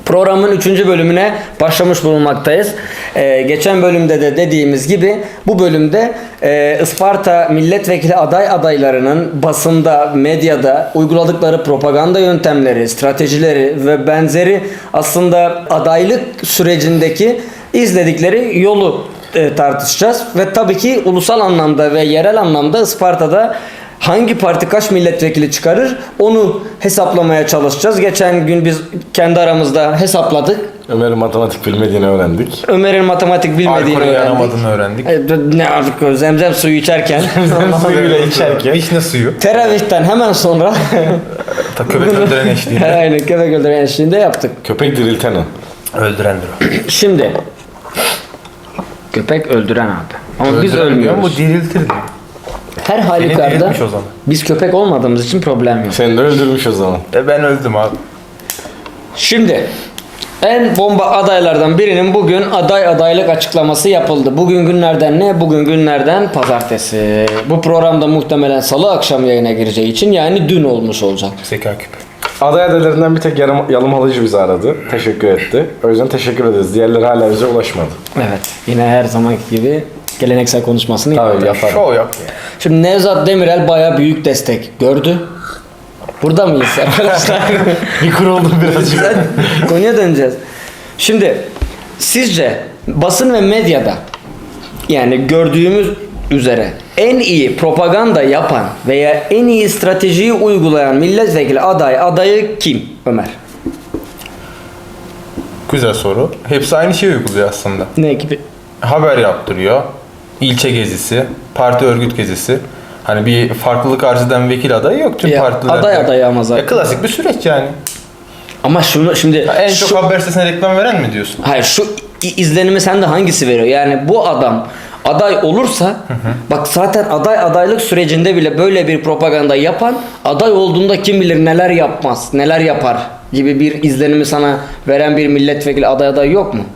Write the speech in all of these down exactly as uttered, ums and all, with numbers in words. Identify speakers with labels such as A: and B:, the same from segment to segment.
A: Programın üçüncü bölümüne başlamış bulunmaktayız. Ee, geçen bölümde de dediğimiz gibi bu bölümde e, Isparta milletvekili aday adaylarının basında, medyada uyguladıkları propaganda yöntemleri, stratejileri ve benzeri aslında adaylık sürecindeki izledikleri yolu e, tartışacağız. Ve tabii ki ulusal anlamda ve yerel anlamda Isparta'da hangi parti kaç milletvekili çıkarır onu hesaplamaya çalışacağız. Geçen gün biz kendi aramızda hesapladık.
B: Ömer'in matematik bilmediğini öğrendik.
A: Ömer'in matematik bilmediğini
C: Alkolü
A: öğrendik.
C: yanamadığını öğrendik.
A: E, Ne artık zemzem suyu içerken.
B: Suyuyla içerken.
C: Vişne suyu.
A: Teravihten hemen sonra.
C: Ta köpek öldüren eşliğinde.
A: Aynen, köpek öldüren eşliğinde yaptık.
B: Köpek dirilten o.
C: Öldürendir o.
A: Şimdi köpek öldüren abi. Ama biz
C: Öldüren diyor,
A: ölmüyoruz.
C: Bu diriltir diyor.
A: Her
C: Beni
A: halükarda
C: diriltmiş o zaman.
A: biz köpek olmadığımız için problem yok.
B: Seni de öldürmüş o zaman.
C: E ben öldüm abi.
A: Şimdi en bomba adaylardan birinin bugün aday adaylık açıklaması yapıldı. Bugün günlerden ne? Bugün günlerden pazartesi. Bu programda muhtemelen salı akşam yayına gireceği için yani dün olmuş olacak.
C: Zeka küpü.
B: Aday adaylarından bir tek yarım, yalım alıcı bizi aradı. Teşekkür etti. O yüzden teşekkür ederiz. Diğerleri hala bize ulaşmadı.
A: Evet. Yine her zamanki gibi geleneksel konuşmasını
B: Tabii
A: yaptı.
B: yaparım.
C: Şov yap ya.
A: Şimdi Nevzat Demirel baya büyük destek gördü. Burada mıyız arkadaşlar?
B: Bir kuruldum birazcık.
A: Güzel. Konuya döneceğiz. Şimdi sizce basın ve medyada yani gördüğümüz üzere en iyi propaganda yapan veya en iyi stratejiyi uygulayan milletvekili aday adayı kim Ömer?
C: Güzel soru. Hepsi aynı şeyi uyguluyor aslında.
A: Ne gibi?
C: Haber yaptırıyor. İlçe gezisi, parti örgüt gezisi. Hani bir farklılık arz eden vekil adayı yok tüm
A: Ya,
C: partiler.
A: aday adayı ama zaten.
C: Ya, klasik bir süreç yani.
A: Ama şunu şimdi
C: Ya, en
A: şu,
C: çok haber sitesine reklam veren mi diyorsun?
A: hayır şu i- izlenimi sende hangisi veriyor? Yani bu adam aday olursa bak zaten aday adaylık sürecinde bile böyle bir propaganda yapan aday olduğunda kim bilir neler yapmaz, neler yapar gibi bir izlenimi sana veren bir milletvekili aday aday yok mu?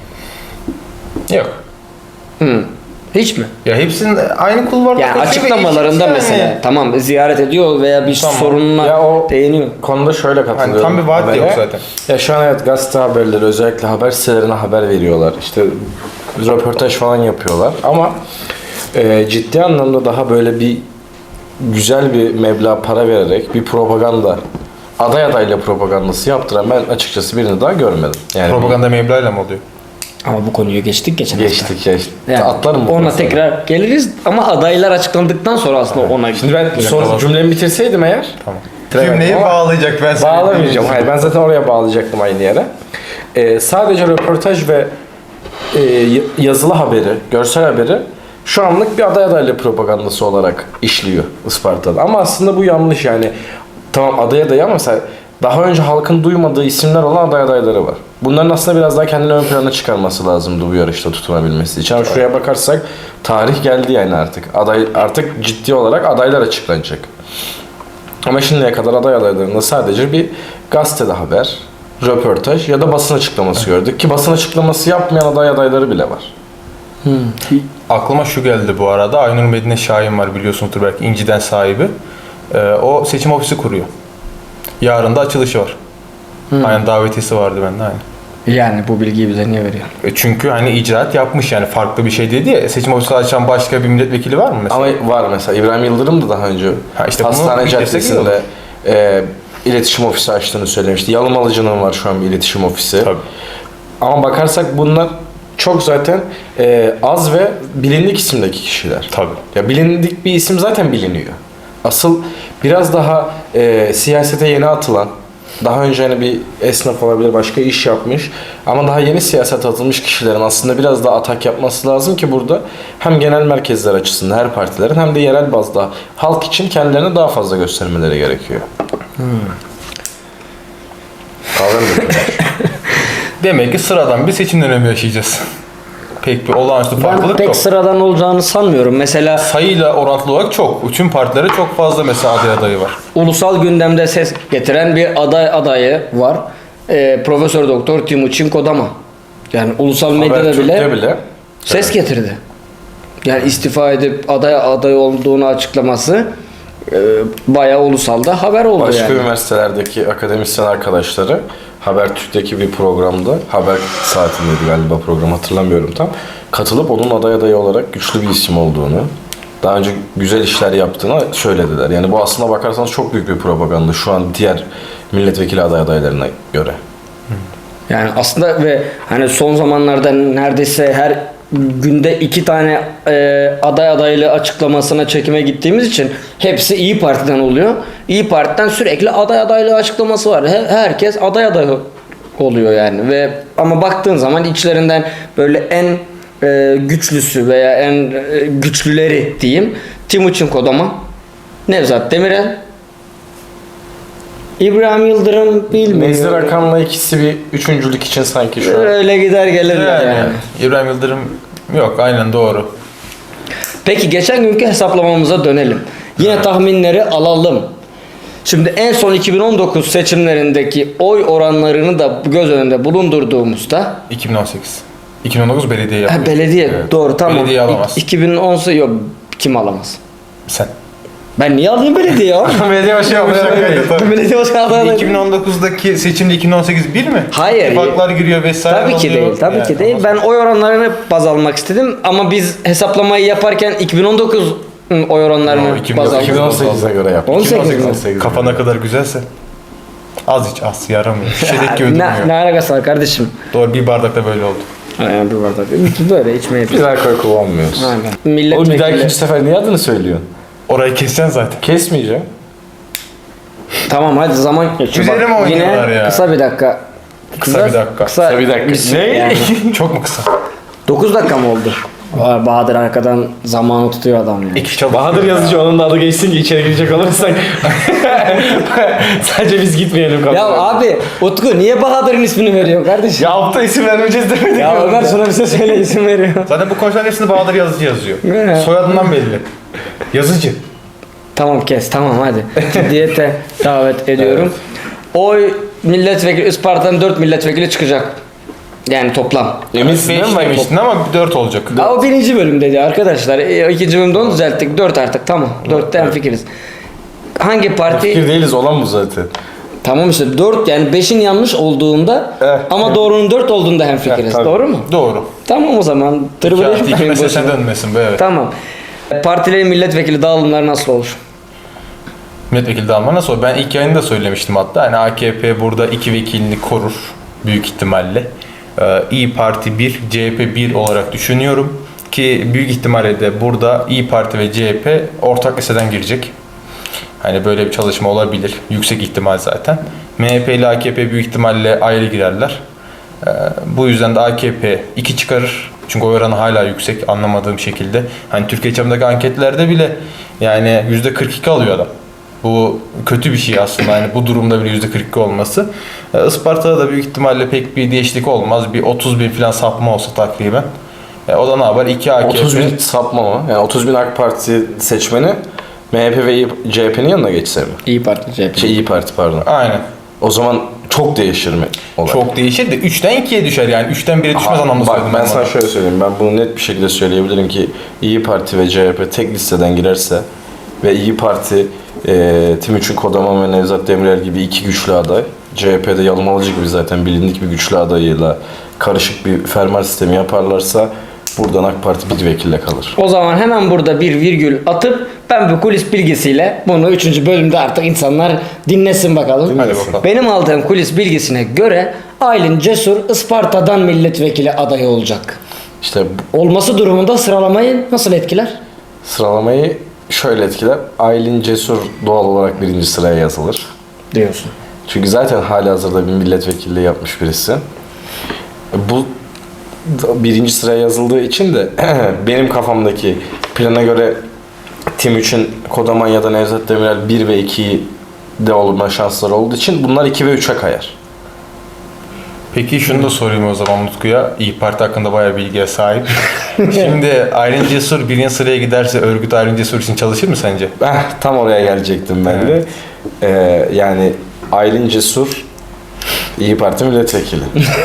C: Yok.
A: Hı. Hiç mi?
C: Ya hepsinin aynı kulvarda
A: Yani
C: koşuyor ve
A: açıklamalarında
C: eşit
A: mesela
C: yani.
A: tamam ziyaret ediyor veya bir
C: Tamam.
A: sorununa
B: Ya o-
A: değiniyor.
B: Konuda şöyle katılıyorum.
C: Hani tam bir vaat
B: habere.
C: yok zaten.
B: Ya şu an evet gazete haberleri özellikle haber sitelerine haber veriyorlar. İşte röportaj falan yapıyorlar. Ama e, ciddi anlamda daha böyle bir güzel bir meblağ para vererek bir propaganda aday adayla propagandası yaptıran ben açıkçası birini daha görmedim. Yani
C: Propaganda meblağıyla mı oluyor?
A: Ama bu konuyu geçtik geçen hafta.
B: geçtik geçtik.
A: Yani
B: Atlarım bu
A: ona
B: konuda.
A: tekrar geliriz ama adaylar açıklandıktan sonra aslında ona
B: Şimdi ben son
C: kapat.
B: cümlemi bitirseydim eğer
C: Tamam.
B: Evet,
C: Cümleyi
B: ama
C: bağlayacak ben sana.
B: bağlamayacağım. Hayır ben zaten oraya bağlayacaktım aynı yere. Ee, sadece röportaj ve e, y- yazılı haberi, görsel haberi şu anlık bir aday adaylığı propagandası olarak işliyor Isparta'da. Ama aslında bu yanlış yani. Tamam aday adayı ama mesela daha önce halkın duymadığı isimler olan aday adayları var. Bunların aslında biraz daha kendini ön plana çıkarması lazımdı bu yarışta tutunabilmesi için. Ama şuraya bakarsak tarih geldi yani artık. Aday artık ciddi olarak adaylar açıklanacak. Ama şimdiye kadar aday adaylarında sadece bir gazetede haber, röportaj ya da basın açıklaması gördük. Ki basın açıklaması yapmayan aday adayları bile var.
C: Aklıma şu geldi bu arada. Aynur Medine Şahin var biliyorsunuzdur belki İnci'den sahibi. Ee, o seçim ofisi kuruyor. Yarın da açılışı var. Aynen davetiyesi vardı bende aynı.
A: yani bu bilgiyi bize niye veriyor?
C: E çünkü hani icraat yapmış yani farklı bir şey dedi ya. Seçim ofisi açan başka bir milletvekili var mı mesela?
B: Ama var mesela İbrahim Yıldırım da daha önce
C: Ha işte bunu
B: Hastane
C: bir destek
B: Caddesi'nde e, iletişim ofisi açtığını söylemişti. Yalımalıcı'nın var şu an bir iletişim ofisi.
C: Tabii.
B: Ama bakarsak bunlar çok zaten e, az ve bilindik isimdeki kişiler.
C: Tabii.
B: Ya bilindik bir isim zaten biliniyor. Asıl biraz daha e, siyasete yeni atılan, daha önce hani bir esnaf olabilir, başka iş yapmış ama daha yeni siyasete atılmış kişilerin aslında biraz daha atak yapması lazım ki burada hem genel merkezler açısından her partilerin hem de yerel bazda halk için kendilerini daha fazla göstermeleri gerekiyor. Hmm.
C: Demek ki sıradan bir seçim dönemi yaşayacağız. Pek bir olağanüstü
A: Ben
C: farklılık
A: pek
C: yok.
A: sıradan olacağını sanmıyorum. Mesela
C: Sayıyla orantılı olarak çok. Tüm partilere çok fazla mesela aday adayı var.
A: ulusal gündemde ses getiren bir aday adayı var. Ee, Profesör Doktor Timuçin Kodama. Yani ulusal medyada
B: Habertürk'te
A: bile,
B: bile
A: ses getirdi. Yani istifa edip aday aday olduğunu açıklaması e, bayağı ulusalda haber oldu
B: başka
A: yani.
B: üniversitelerdeki akademisyen arkadaşları Habertürk'teki bir programda, Haber saatindeydi galiba program, hatırlamıyorum tam. Katılıp onun aday adayı olarak güçlü bir isim olduğunu, daha önce güzel işler yaptığını söylediler. Yani bu aslına bakarsanız çok büyük bir propaganda şu an diğer milletvekili aday adaylarına göre.
A: Yani aslında ve hani son zamanlarda neredeyse her günde iki tane e, aday adaylı açıklamasına çekime gittiğimiz için hepsi İyi Parti'den oluyor. İyi Parti'den sürekli aday adaylı açıklaması var. He- herkes aday adayı oluyor yani ve ama baktığın zaman içlerinden böyle en e, güçlüsü veya en e, güçlüleri diyeyim Timuçin Kodaman, Nevzat Demirel, İbrahim Yıldırım bilmiyorum.
B: Nezdir Akan'la ikisi bir üçüncülük için sanki şu an.
A: Öyle gider gelirler yani.
C: Yani, İbrahim Yıldırım yok, aynen doğru.
A: Peki geçen günkü hesaplamamıza dönelim. Yine tahminleri alalım. Şimdi en son iki bin on dokuz seçimlerindeki oy oranlarını da göz önünde bulundurduğumuzda
C: iki bin on sekiz. iki bin on dokuz belediye yapıyor.
A: ha, belediye
C: Evet.
A: doğru tamam.
C: Belediye alamaz.
A: iki bin on yok kim alamaz?
C: Sen.
A: Ben niye alayım belediye ya?
B: Belediye başı yapmış.
A: Ben belediye başkanı adayım.
C: iki bin on dokuzdaki seçimde iki bin on sekiz bir mi?
A: Hayır.
C: İttifaklar giriyor vesaire.
A: Tabii ki
C: oluyor.
A: değil, tabii
C: Yani
A: ki değil. Ben oy oranlarını baz almak istedim ama biz hesaplamayı yaparken iki bin on dokuz oy oranlarını
C: Yo, iki bin
A: baz
C: dokuz,
A: aldık.
B: iki bin on sekize göre yaptık.
A: on sekiz mi?
B: on sekiz.
C: Kafana kadar güzelse. Az iç, az yaramıyor. Şişedeki gibi
A: ne,
C: durmuyor.
A: ne alakası var kardeşim?
C: Doğru, bir bardakta böyle oldu.
A: Aynen bir bardak. Böyle içmeye
B: Biz alkol kullanmıyoruz.
A: Aynen.
B: Oğlum bir
A: Milletvekili.
B: daha ikinci sefer niye adını söylüyorsun?
C: Orayı keseceksin zaten.
B: Kesmeyeceğim.
A: Tamam hadi zaman geçiyor.
C: Üzerine mi
A: Bak,
C: oynuyorlar
A: yine
C: ya?
A: kısa bir dakika.
C: Kısa bir dakika.
A: Kısa,
B: Kısa bir dakika.
A: süre
B: Ne?
A: yani.
C: Çok mu kısa?
A: dokuz dakika mı oldu? Vay, Bahadır arkadan zamanı tutuyor adam yani.
C: İki çabuk.
B: Bahadır yazıcı onun da adı geçsin ki içeri girecek olursak. Sadece biz gitmeyelim kapıya.
A: Ya abi Utku niye Bahadır'ın ismini veriyorsun kardeşim?
B: Ya altta isim vermeyeceğiz demedik
A: Ya
B: mi?
A: Ömer şuna bir şey söyle isim veriyor.
C: Zaten bu konuşmaların hepsinde Bahadır Yazıcı yazıyor.
A: Ne?
C: Soyadından belli. Yazıcı.
A: Tamam kes tamam hadi. Ciddiyete davet ediyorum. Oy milletvekili Isparta'dan dört milletvekili çıkacak. Yani toplam.
B: Eminsin değil
C: beş
B: mi?
C: demiştin ama dört olacak.
A: Aa, o birinci bölümdeydi arkadaşlar. E, ikinci bölümde onu düzelttik. Dört artık tamam. Dörtte hemfikiriz. Hangi parti?
B: Fikir değiliz olan bu zaten.
A: Tamam işte dört yani beşin yanlış olduğunda
B: Eh,
A: ama doğrunun dört olduğunda hemfikiriz.
B: Eh, tabii.
A: Doğru mu?
C: Doğru.
A: Tamam o zaman.
C: İki
A: Tırvırı
C: artı iki
A: etmeyin
C: meselesine
A: boşuna.
C: dönmesin be, evet.
A: Tamam. Partilerin milletvekili dağılımları nasıl olur?
C: Milletvekili dağılma nasıl olur? Ben ilk yayında söylemiştim hatta. Yani A K P burada iki vekilini korur büyük ihtimalle. Ee, İyi Parti bir, C H P bir olarak düşünüyorum. Ki büyük ihtimalle de burada İyi Parti ve C H P ortak listeden girecek. Hani böyle bir çalışma olabilir. Yüksek ihtimal zaten. M H P ile A K P büyük ihtimalle ayrı girerler. Ee, bu yüzden de A K P iki çıkarır. Çünkü oy oranı hala yüksek anlamadığım şekilde. Hani Türkiye çapındaki anketlerde bile yani yüzde kırk iki alıyor adam. Bu kötü bir şey aslında. Yani bu durumda bile yüzde kırk iki olması. Ee, Isparta'da da büyük ihtimalle pek bir değişiklik olmaz. Bir otuz bin falan sapma olsa takriben. Ee, o da ne yapar? iki A K P.
B: otuz bin sapma mı? Yani otuz bin AK Parti seçmeni M H P ve C H P'nin yanına geçse mi?
A: İyi Parti, C H P.
B: Şey İyi Parti pardon.
C: Aynen.
B: O zaman çok değişir mi olay?
C: Çok değişir de üçten ikiye düşer yani. üçten bire düşmez
B: Aha,
C: anlamda
B: bak
C: söyledim
B: ben
C: ben
B: sana
C: bunu.
B: şöyle söyleyeyim. Ben bunu net bir şekilde söyleyebilirim ki İyi Parti ve C H P tek listeden girerse ve İyi Parti e, Timuçin Kodaman ve Nevzat Demirel gibi iki güçlü aday, C H P'de Yalmalıcı gibi zaten bilindik bir güçlü adayıyla karışık bir fermuar sistemi yaparlarsa buradan AK Parti bir vekille kalır.
A: O zaman hemen burada bir virgül atıp ben bu kulis bilgisiyle bunu üçüncü bölümde artık insanlar dinlesin bakalım.
C: Hadi bakalım.
A: Benim aldığım kulis bilgisine göre Aylin Cesur Isparta'dan milletvekili adayı olacak.
B: İşte bu
A: Olması durumunda sıralamayı nasıl etkiler?
B: sıralamayı şöyle etkiler. Aylin Cesur doğal olarak birinci sıraya yazılır.
A: Diyorsun.
B: Çünkü zaten halihazırda bir milletvekilliği yapmış birisi. Bu birinci sıraya yazıldığı için de benim kafamdaki plana göre Timuçin Kodaman ya da Nevzat Demirel bir ve ikiyi de olma şansları olduğu için bunlar iki ve üçe kayar.
C: Peki şunu da sorayım o zaman Utku'ya. İyi Parti hakkında bayağı bilgiye sahip. Şimdi Aylin Cesur birinci sıraya giderse örgüt Aylin Cesur için çalışır mı sence?
B: Eh, tam oraya gelecektim ben de. Ee, yani Aylin Cesur İyi Parti milletvekili.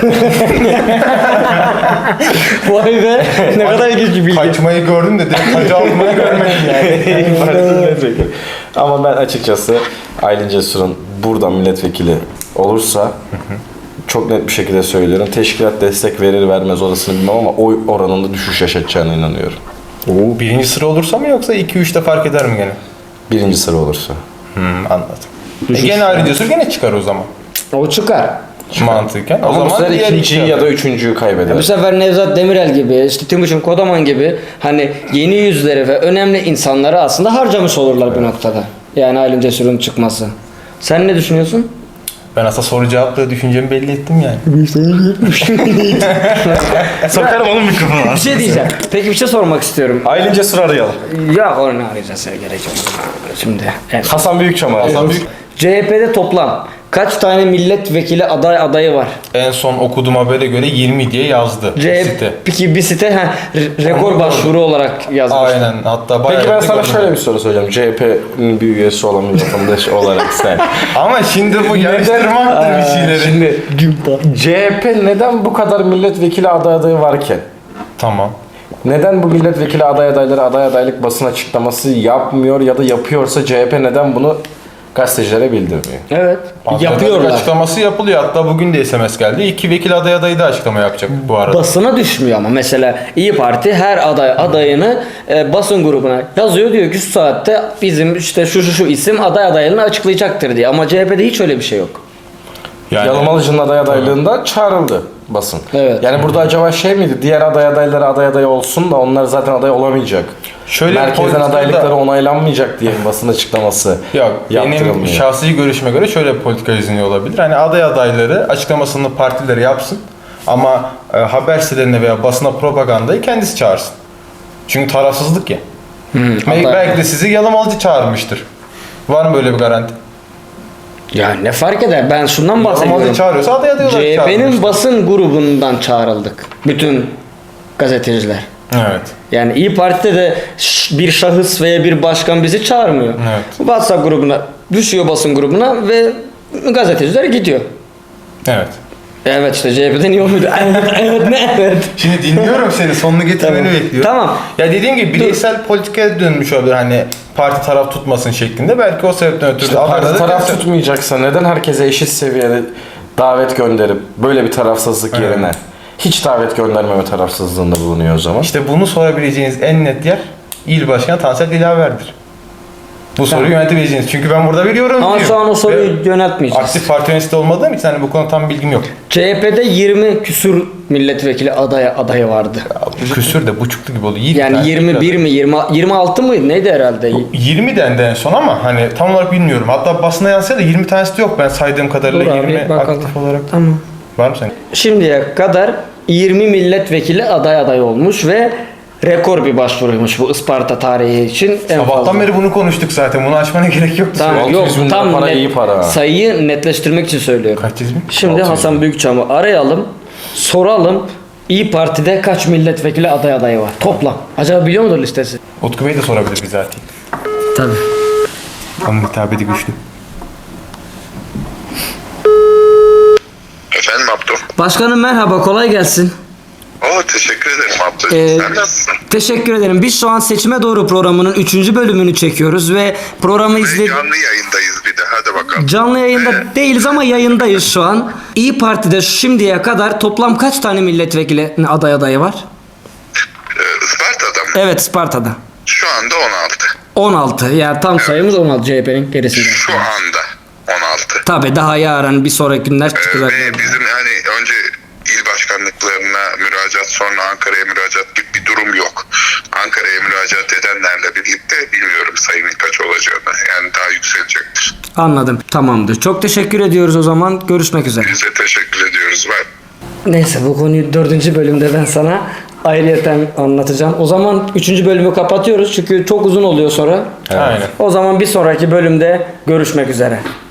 A: Vay be ne kadar ilginç bir bilgi.
C: Kaçmayı gördüm de direkt hacı almayı görmedim yani.
B: İyi Parti milletvekili. Ama ben açıkçası Aylin Cesur'un burada milletvekili olursa çok net bir şekilde söylüyorum. Teşkilat destek verir vermez orasını bilmem ama oy oranında düşüş yaşatacağına inanıyorum.
C: Oo, birinci sıra olursa mı yoksa iki üçte fark eder mi gene?
B: Birinci sıra olursa.
C: Hmm, anladım. E, gene ayrı diyorsun, gene çıkar o zaman.
A: O çıkar.
C: Mantıken. O
B: Ama bu
C: zaman
B: sefer
C: diğer
B: ikinciyi
C: iki
B: ya da üçüncüyü kaybeder.
A: Bu sefer Nevzat Demirel gibi, işte Timuçin Kodaman gibi hani yeni yüzleri ve önemli insanları aslında harcamış olurlar bir noktada. Yani Aylin Cesur'un çıkması. Sen ne düşünüyorsun?
C: Ben aslında soru cevapla düşüncemi belli ettim yani.
B: Sokarım onun mikrofonu.
A: Bir şey diyeceğim. Peki bir şey sormak istiyorum.
B: Aylin Cesur arayalım.
A: Ya onu arayacağız ya, gerek yok. Şimdi. Evet.
B: Hasan Büyükçam arayalım.
C: Hasan Büyük-
A: C H P'de toplam kaç tane milletvekili aday adayı var?
C: En son okuduğum habere göre yirmi diye yazdı
A: C
C: site.
A: H P bir site ha, re- rekor
C: Onu
A: başvuru olarak yazmış.
C: Aynen. Hatta bayağı
B: Peki ben
C: da
B: sana
C: gördüm.
B: şöyle bir soru soracağım. C H P'nin bir üyesi olan bir vatandaş olarak sen.
C: Ama şimdi bu yarıştırmaktır bir şeyleri.
B: Şimdi C H P neden bu kadar milletvekili aday adayı varken?
C: Tamam.
B: Neden bu milletvekili aday adayları aday adaylık basın açıklaması yapmıyor ya da yapıyorsa C H P neden bunu gazetecilere bildirmiyor?
A: Evet.
C: Adaylık
A: Yapıyorlar.
C: Açıklaması yapılıyor. Hatta bugün de S M S geldi. İki vekil aday adayı da açıklama yapacak bu arada.
A: Basına düşmüyor ama mesela İyi Parti her aday adayını e, basın grubuna yazıyor, diyor ki şu saatte bizim işte şu şu şu isim aday adaylığını açıklayacaktır diye. Ama C H P'de hiç öyle bir şey yok.
C: Yani
B: Yalamalıcı'nın aday adaylığında çağrıldı basın.
A: Evet.
B: Yani burada acaba şey miydi? Diğer aday adayları aday aday olsun da onlar zaten aday olamayacak.
C: Şöyle bir
B: Merkezden
C: politikada-
B: adaylıkları onaylanmayacak diye bir basın açıklaması
C: Yok, benim
B: yaptırılmıyor.
C: şahsi görüşüme göre şöyle bir politika izniyor olabilir. Hani aday adayları açıklamasını partileri yapsın ama e, haber sitelerine veya basına propagandayı kendisi çağırsın. Çünkü tarafsızlık ya. Belki,
A: aday-
C: belki de sizi Yalamalıcı çağırmıştır. Var mı böyle bir garanti?
A: Ya ne fark eder? Ben şundan
C: Yalamalıcı
A: bahsediyorum.
C: çağırıyorsa aday aday olarak
A: C H P'nin
C: çağırmıştır.
A: basın grubundan çağrıldık. Bütün gazeteciler.
C: Evet.
A: Yani İyi Parti'de de ş- bir şahıs veya bir başkan bizi çağırmıyor.
C: Evet.
A: WhatsApp grubuna düşüyor, basın grubuna ve gazeteciler gidiyor.
C: Evet.
A: Evet işte C H P'de niye olmuyordu? Evet, evet, ne evet.
C: Şimdi dinliyorum seni. Sonunu getirmeni
A: Tamam.
C: bekliyorum.
A: Tamam.
C: Ya dediğim gibi bireysel politikaya dönmüş olabilir. Hani parti taraf tutmasın şeklinde. Belki o sebepten ötürü
B: İşte
C: de
B: parti
C: adayları
B: taraf
C: keser.
B: tutmayacaksa neden herkese eşit seviyede davet gönderip böyle bir tarafsızlık
C: Evet.
B: yerine hiç davet göndermeme tarafsızlığında bulunuyor o zaman?
C: İşte bunu sorabileceğiniz en net yer İl Başkanı Tansel Dilaver'dir. Bu soruyu yönetebileceğiniz. Çünkü ben burada biliyorum
A: Ama
C: diyor.
A: şu an o soruyu
C: Ve
A: yöneltmeyeceğiz.
C: aktif parti yöneticisi olmadığım için hani bu konuda tam bilgim yok.
A: C H P'de yirmi küsur milletvekili adaya adayı vardı.
C: Küsür de buçuklu gibi oldu. yirmi
A: Yani
C: tane
A: yirmi bir mi yirmi yirmi altı mıydı neydi herhalde?
C: yirmi dendi en son ama hani tam olarak bilmiyorum. Hatta basına yansıya da yirmi tanesi de yok ben saydığım kadarıyla
A: Dur abi,
C: yirmi
A: bakalım.
C: aktif olarak.
A: Tamam.
C: Var mı senin?
A: Şimdiye kadar yirmi milletvekili aday aday olmuş ve rekor bir başvuruymuş bu Isparta tarihi için. En
C: Sabahtan
A: fazla.
C: beri bunu konuştuk zaten. Bunu açmana gerek yoktu.
A: Tamam,
B: altı
A: yok
B: yüz bin lira
A: tam
B: para
A: net-
B: iyi para.
A: sayıyı netleştirmek için söylüyorum.
C: Kaç yüz bin?
A: Şimdi
B: altı yüz
A: Hasan Büyükçam'ı arayalım, soralım. İyi Parti'de kaç milletvekili aday adayı var? Toplam. Acaba biliyor mudur listesi?
C: Utku Bey de sorabilir bizatihi.
A: Tabii.
C: Onun hitabeti güçlü.
D: Efendim Abdü?
A: Başkanım merhaba, kolay gelsin.
D: Oo, teşekkür ederim Abdü.
A: Ee,
D: Sen nasılsın?
A: Teşekkür ederim. Biz şu an Seçime Doğru programının üçüncü bölümünü çekiyoruz ve programı
D: Ve
A: izle...
D: canlı yayındayız bir de. Hadi bakalım.
A: Canlı yayında değiliz ama yayındayız şu an. İyi Parti'de şimdiye kadar toplam kaç tane milletvekili aday adayı var?
D: Ee, Isparta'da mı?
A: Evet, Isparta'da.
D: Şu anda on altı.
A: on altı. Yani tam sayımız on altı C H P'nin gerisinde.
D: Şu anda on altı.
A: Tabii daha yarın bir sonraki günler
D: Ee,
A: çıkacak.
D: ve bizim hani önce il başkanlıklarına müracaat sonra Ankara'ya müracaat gibi bir durum yok. Ankara'ya müracaat edenlerle birlikte bilmiyorum sayının kaç olacağını. Yani daha yükselecektir.
A: Anladım. Tamamdır. Çok teşekkür ediyoruz o zaman. Görüşmek üzere.
D: Biz de teşekkür ediyoruz. Bye.
A: Neyse bu konuyu dördüncü bölümde ben sana ayrıyeten anlatacağım. O zaman üçüncü bölümü kapatıyoruz çünkü çok uzun oluyor sonra.
C: Aynen.
A: O zaman bir sonraki bölümde görüşmek üzere.